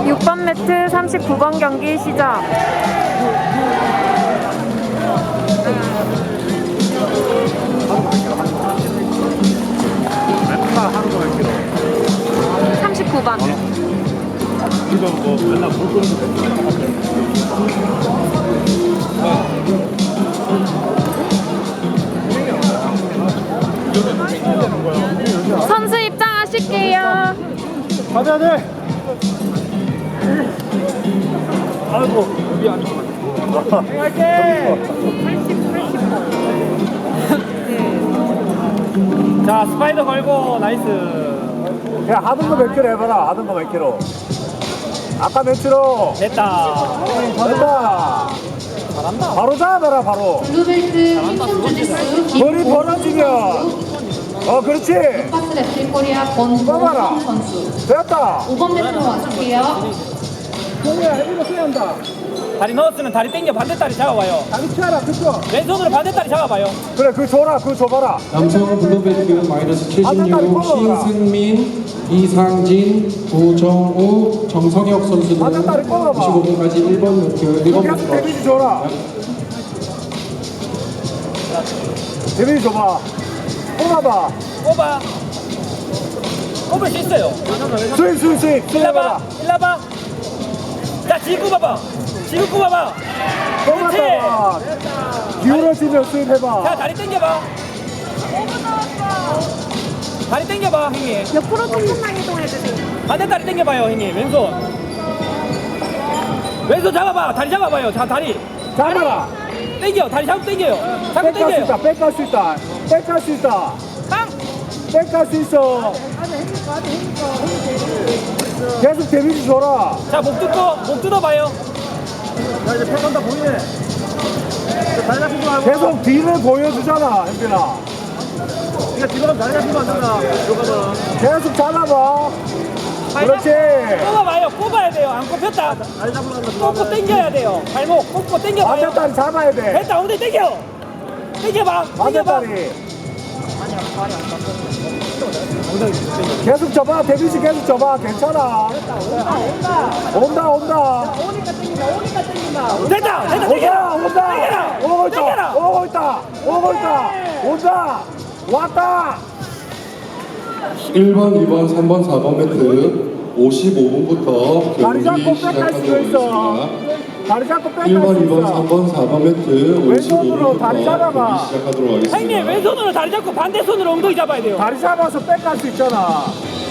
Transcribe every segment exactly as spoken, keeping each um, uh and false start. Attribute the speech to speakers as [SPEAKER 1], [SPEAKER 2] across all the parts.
[SPEAKER 1] 육 번 매트 삼십구 번 경기 시작. 삼십구 번.
[SPEAKER 2] 이거 뭐 맨날 물 끓는
[SPEAKER 1] 선수 입장하실게요.
[SPEAKER 2] 가자 돼. 아이고 여기 아니구나. 할게. 자 스파이더 걸고 나이스.
[SPEAKER 3] 야, 하던 거 몇 킬로 해봐라. 하던 거 몇 킬로. 아까 몇 킬로.
[SPEAKER 2] 됐다.
[SPEAKER 3] 됐다.
[SPEAKER 2] 잘한다.
[SPEAKER 3] 바로 잡아라, 바로.
[SPEAKER 4] 블루벨트 김성준 선수,
[SPEAKER 3] 머리 벌어지면. 어, 그렇지.
[SPEAKER 4] 루카스 랩실 코리아
[SPEAKER 3] 뽑아라.
[SPEAKER 4] 권보성 선수.
[SPEAKER 3] 됐다.
[SPEAKER 4] 오 번 매트로 와줄게요.
[SPEAKER 3] 공이야, 해비가 써야 한다.
[SPEAKER 2] 다리 넣었으면 다리 당겨 반대다리 잡아봐요.
[SPEAKER 3] 다리 치아라, 그쵸?
[SPEAKER 2] 왼손으로 반대다리 잡아봐요.
[SPEAKER 3] 그래, 그거 줘라, 그거 줘봐라.
[SPEAKER 5] 남성 블루벨트 마이너스 칠십육 신승민, 이상진, 구정우, 정성혁 선수는
[SPEAKER 3] 반대다리 뽑아봐.
[SPEAKER 5] 이십오 분까지 일 번 매트 일 번
[SPEAKER 3] 계속
[SPEAKER 5] 매트로
[SPEAKER 3] 데미지 줘라. 데미지 줘봐. 뽑아봐.
[SPEAKER 2] 꼽아. 꼽을 수 있어요.
[SPEAKER 3] 스윙, 스윙, 스윙. 스윙
[SPEAKER 2] 일로
[SPEAKER 3] 해봐라.
[SPEAKER 2] 와봐. 일로 와봐. 자 지금 꼽아봐. 지금 꼽아봐. 그렇지.
[SPEAKER 3] 뽑아봐. 기울어지면 스윙
[SPEAKER 2] 자
[SPEAKER 3] 해봐.
[SPEAKER 2] 다리 당겨봐. 다리 당겨봐 형님.
[SPEAKER 1] 옆으로 조금만 이동해주세요.
[SPEAKER 2] 반대다리 당겨봐요 형님. 왼손. 왼손 잡아봐. 다리 잡아봐요. 자 다리.
[SPEAKER 3] 잡아라.
[SPEAKER 2] 당겨. 다리 잡고 당겨요. 잡고
[SPEAKER 3] 백갈 수 있다,
[SPEAKER 2] 당겨요.
[SPEAKER 3] 백갈 수 있다. 백갈 수 있다.
[SPEAKER 2] 빵.
[SPEAKER 3] 백갈 수 있어. 계속 데미지 줘라.
[SPEAKER 2] 자목 뜯고 목 뜯어봐요.
[SPEAKER 3] 야, 이제 팩 온다 보이네. 계속 뒤를 보여주잖아, 현빈아. 이거 뒤로 다리 잡히면 안 된다. 계속 잡아봐. 그렇지.
[SPEAKER 2] 꼽아봐요. 꼽아야 돼요. 안 꼽혔다. 꼽고 당겨야 돼요. 발목 꼽고 당겨봐요.
[SPEAKER 3] 반대다리 잡아야 돼.
[SPEAKER 2] 됐다. 엉덩이 당겨. 당겨봐. 당겨봐.
[SPEAKER 3] 반대다리. 계속 줘봐. 데미지 계속 줘봐. 괜찮아. 온다, 온다.
[SPEAKER 2] 됐다. 됐다.
[SPEAKER 3] 온다,
[SPEAKER 2] 당겨라.
[SPEAKER 3] 온다.
[SPEAKER 2] 당겨라.
[SPEAKER 3] 오고 있다.
[SPEAKER 2] 당겨라.
[SPEAKER 3] 오고 있다. 오고 있다. 온다. 왔다.
[SPEAKER 5] 일 번, 이 번, 삼 번, 사 번 매트 오십오 분부터
[SPEAKER 3] 다리 잡고
[SPEAKER 5] 경기
[SPEAKER 3] 백할 수도
[SPEAKER 5] 시작하도록
[SPEAKER 3] 있어.
[SPEAKER 5] 하겠습니다.
[SPEAKER 3] 다리 잡고 백할
[SPEAKER 5] 일 번,
[SPEAKER 3] 수
[SPEAKER 5] 이 번, 삼
[SPEAKER 3] 있어.
[SPEAKER 5] 번, 사 번 매트 오십오
[SPEAKER 3] 왼손으로 다리
[SPEAKER 5] 분부터
[SPEAKER 3] 잡아봐.
[SPEAKER 5] 경기 시작하도록
[SPEAKER 2] 형님
[SPEAKER 5] 하겠습니다.
[SPEAKER 2] 왼손으로 다리 잡고 반대 손으로 엉덩이 잡아야 돼요.
[SPEAKER 3] 다리 잡아서 백할 수 있잖아.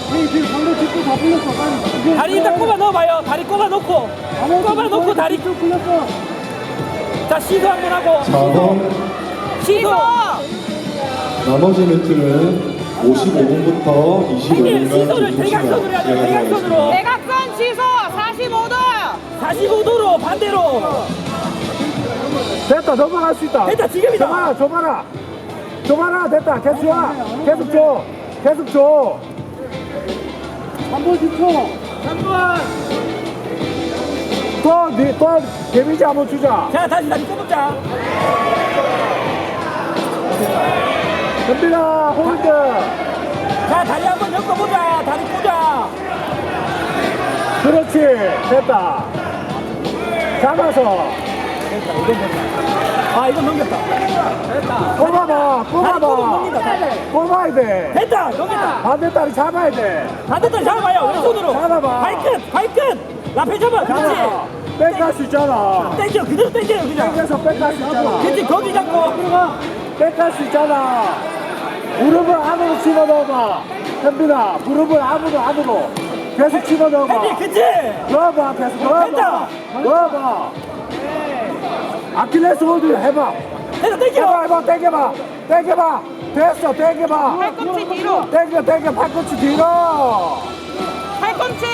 [SPEAKER 2] 다리 일단 꼽아 넣어봐요. 다리 꼽아 놓고 꼽아 놓고 다리 자 시도 한번 하고
[SPEAKER 5] 사 번
[SPEAKER 2] 시도.
[SPEAKER 5] 나머지 매트는 오십오 분부터 이십오
[SPEAKER 2] 형님
[SPEAKER 5] 분간
[SPEAKER 2] 시도를 대각선으로 해야 돼요. 대각선으로.
[SPEAKER 1] 대각선 취소 사십오 도.
[SPEAKER 2] 사십오 도로 반대로.
[SPEAKER 3] 됐다, 넘어갈 수 있다.
[SPEAKER 2] 됐다, 지금이다.
[SPEAKER 3] 줘봐라, 줘봐라. 줘봐라, 됐다. 계속 줘. 계속 줘. 계속 줘. 한 번씩 줘. 한 번. 또, 니, 또, 데미지 한번 주자.
[SPEAKER 2] 자 다시 다리 꼽자.
[SPEAKER 3] 현빈아, 홀드.
[SPEAKER 2] 자 다리 한번 엮어보자. 다리 꽂아.
[SPEAKER 3] 그렇지. 됐다. 잡아서.
[SPEAKER 2] 아 이건 넘겼다. 됐다.
[SPEAKER 3] 뽑아봐,
[SPEAKER 2] 다리 꼽으면
[SPEAKER 3] 뽑아봐.
[SPEAKER 2] 넘긴다.
[SPEAKER 3] 뽑아야 돼.
[SPEAKER 2] 됐다. 넘겼다.
[SPEAKER 3] 반대다리 잡아야 돼.
[SPEAKER 2] 반대다리 잡아봐요. 왼손으로.
[SPEAKER 3] 잡아봐.
[SPEAKER 2] 발끝 발끝. 라페 잡아.
[SPEAKER 3] 잡아.
[SPEAKER 2] 그렇지.
[SPEAKER 3] 백할 수 있잖아.
[SPEAKER 2] 땡겨 그대로 땡겨요 그냥.
[SPEAKER 3] 땡겨서 백할 수 있잖아.
[SPEAKER 2] 그치 거기 잡고.
[SPEAKER 3] 백할 수 있잖아. 무릎을 안으로 집어넣어봐. 현빈아, 무릎을 안으로 안으로 계속 집어넣어봐.
[SPEAKER 2] 형님 그치.
[SPEAKER 3] 넣어봐, 계속 넣어봐.
[SPEAKER 2] 됐다.
[SPEAKER 3] 넣어봐. 아킬레스 홀드 해봐.
[SPEAKER 2] 됐다 땡겨.
[SPEAKER 3] 해봐, 해봐, 당겨봐. 당겨봐. 됐어, 당겨봐.
[SPEAKER 1] 팔꿈치 뒤로.
[SPEAKER 3] 당겨, 당겨, 팔꿈치 뒤로.
[SPEAKER 1] 팔꿈치.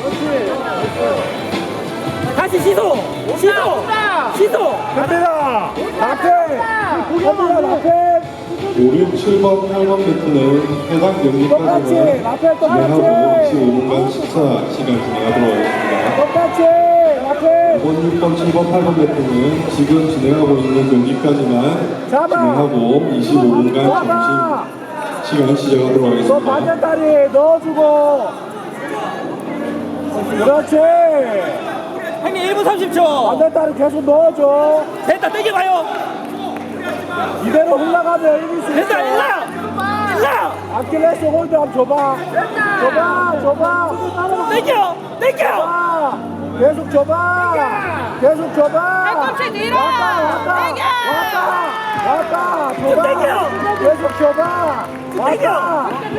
[SPEAKER 2] 다시 시소. 시소. 시소.
[SPEAKER 3] 현빈아, 앞에. 현빈아, 앞에.
[SPEAKER 5] 오, 육, 칠 번, 팔 번 매트는 해당
[SPEAKER 3] 똑같이.
[SPEAKER 5] 경기까지만
[SPEAKER 3] 앞에
[SPEAKER 5] 진행하고
[SPEAKER 3] 똑같이.
[SPEAKER 5] 이십오 분간 식사 시간 진행하도록 하겠습니다.
[SPEAKER 3] 똑같이. 앞에.
[SPEAKER 5] 오 번, 육 번, 칠 번, 팔 번 매트는 지금 진행하고 있는 경기까지만
[SPEAKER 3] 잡아.
[SPEAKER 5] 진행하고 이십오 분간
[SPEAKER 3] 잡아.
[SPEAKER 5] 점심 시간 시작하도록
[SPEAKER 3] 너
[SPEAKER 5] 하겠습니다.
[SPEAKER 3] 반대다리 넣어주고. 그렇지.
[SPEAKER 2] 형님 일 분 삼십 초.
[SPEAKER 3] 안 됐다는 계속 넣어줘.
[SPEAKER 2] 됐다 땡겨봐요.
[SPEAKER 3] 이대로 흘러가면 이길 수 있어.
[SPEAKER 2] 됐다 일라 일라
[SPEAKER 3] 아킬레스 홀드 한번 줘봐. 줘봐, 줘봐.
[SPEAKER 2] 땡겨 땡겨.
[SPEAKER 3] 줘봐. 계속 줘봐. 계속 줘봐.
[SPEAKER 1] 팔꿈치 뒤로.
[SPEAKER 3] 왔다, 왔다.
[SPEAKER 1] 땡겨.
[SPEAKER 3] 왔다. 왔다. 줘봐.
[SPEAKER 2] 땡겨.
[SPEAKER 3] 계속 줘봐.
[SPEAKER 2] 땡겨.
[SPEAKER 3] 왔다. 아.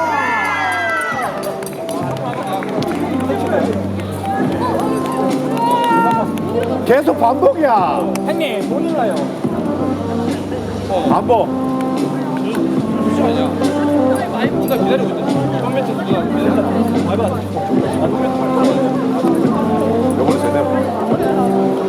[SPEAKER 3] 계속 반복이야.
[SPEAKER 2] 형님 못 일라요.
[SPEAKER 3] 반복.
[SPEAKER 2] 누가 기다리고 있다. 이번 매트 누가 기다렸다.
[SPEAKER 3] 요번에 세네.